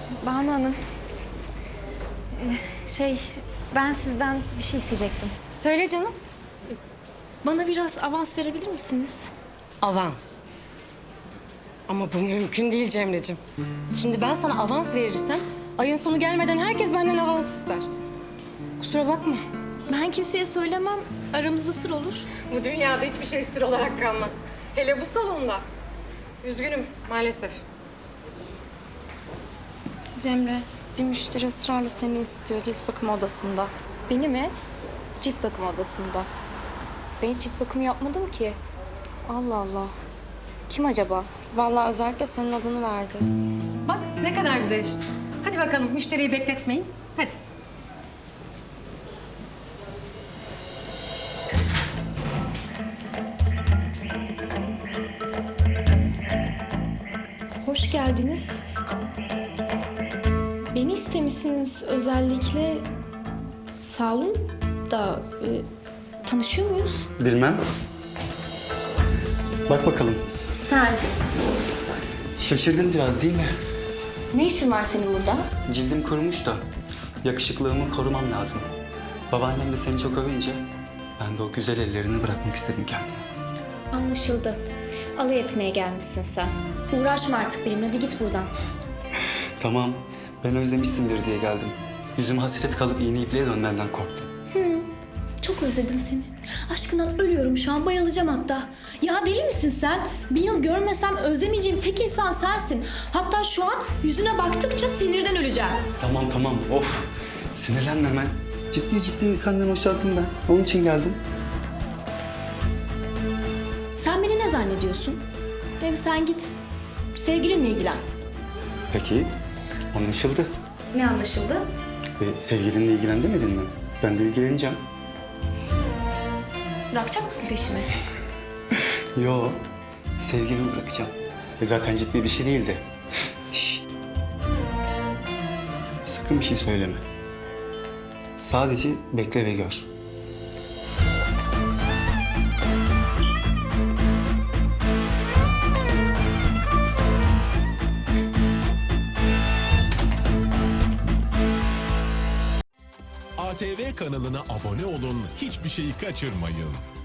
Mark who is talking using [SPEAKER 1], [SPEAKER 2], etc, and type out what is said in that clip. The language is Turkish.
[SPEAKER 1] Banu Hanım. Ben sizden bir şey isteyecektim.
[SPEAKER 2] Söyle canım.
[SPEAKER 1] Bana biraz avans verebilir misiniz?
[SPEAKER 2] Avans. Ama bu mümkün değil Cemre'cim. Şimdi ben sana avans verirsem ayın sonu gelmeden herkes benden avans ister. Kusura bakma.
[SPEAKER 1] Ben kimseye söylemem. Aramızda sır olur.
[SPEAKER 2] Bu dünyada hiçbir şey sır olarak kalmaz. Hele bu salonda. Üzgünüm maalesef. Cemre, bir müşteri ısrarla seni istiyor cilt bakım odasında.
[SPEAKER 1] Beni mi? Cilt bakım odasında. Ben hiç cilt bakımı yapmadım ki. Allah Allah. Kim acaba?
[SPEAKER 2] Vallahi özellikle senin adını verdi.
[SPEAKER 3] Bak ne kadar güzel işte. Hadi bakalım müşteriyi bekletmeyin. Hadi.
[SPEAKER 1] Hoş geldiniz. Beni istemişsiniz özellikle. Sağ olun da tanışıyor muyuz?
[SPEAKER 4] Bilmem. Bak bakalım.
[SPEAKER 1] Sen.
[SPEAKER 4] Şaşırdın biraz değil mi?
[SPEAKER 1] Ne işin var senin burada?
[SPEAKER 4] Cildim kurumuş da yakışıklığımı korumam lazım. Babaannem de seni çok övünce ben de o güzel ellerini bırakmak istedim kendime.
[SPEAKER 1] Anlaşıldı. Alay etmeye gelmişsin sen. Uğraşma artık benimle. Hadi git buradan.
[SPEAKER 4] Tamam, ben özlemişsindir diye geldim. Yüzüme hasret kalıp iğne ipliğe dönmenden korktum.
[SPEAKER 1] Çok özledim seni. Aşkından ölüyorum şu an. Bayılacağım hatta. Ya deli misin sen? Bir yıl görmesem özlemeyeceğim tek insan sensin. Hatta şu an yüzüne baktıkça sinirden öleceğim.
[SPEAKER 4] Tamam, of. Sinirlenme hemen. Ciddi senden hoşlandım ben. Onun için geldim.
[SPEAKER 1] Sen beni ne zannediyorsun? Hem sen git sevgilinle ilgilen.
[SPEAKER 4] Peki, anlaşıldı.
[SPEAKER 1] Ne anlaşıldı?
[SPEAKER 4] Sevgilinle ilgilen demedin mi? Ben de ilgileneceğim.
[SPEAKER 1] Bırakacak mısın peşimi?
[SPEAKER 4] Yo, sevgilimi bırakacağım. Zaten ciddi bir şey değildi. Şşş. Sakın bir şey söyleme. Sadece bekle ve gör.
[SPEAKER 5] ATV kanalına abone olun, hiçbir şeyi kaçırmayın.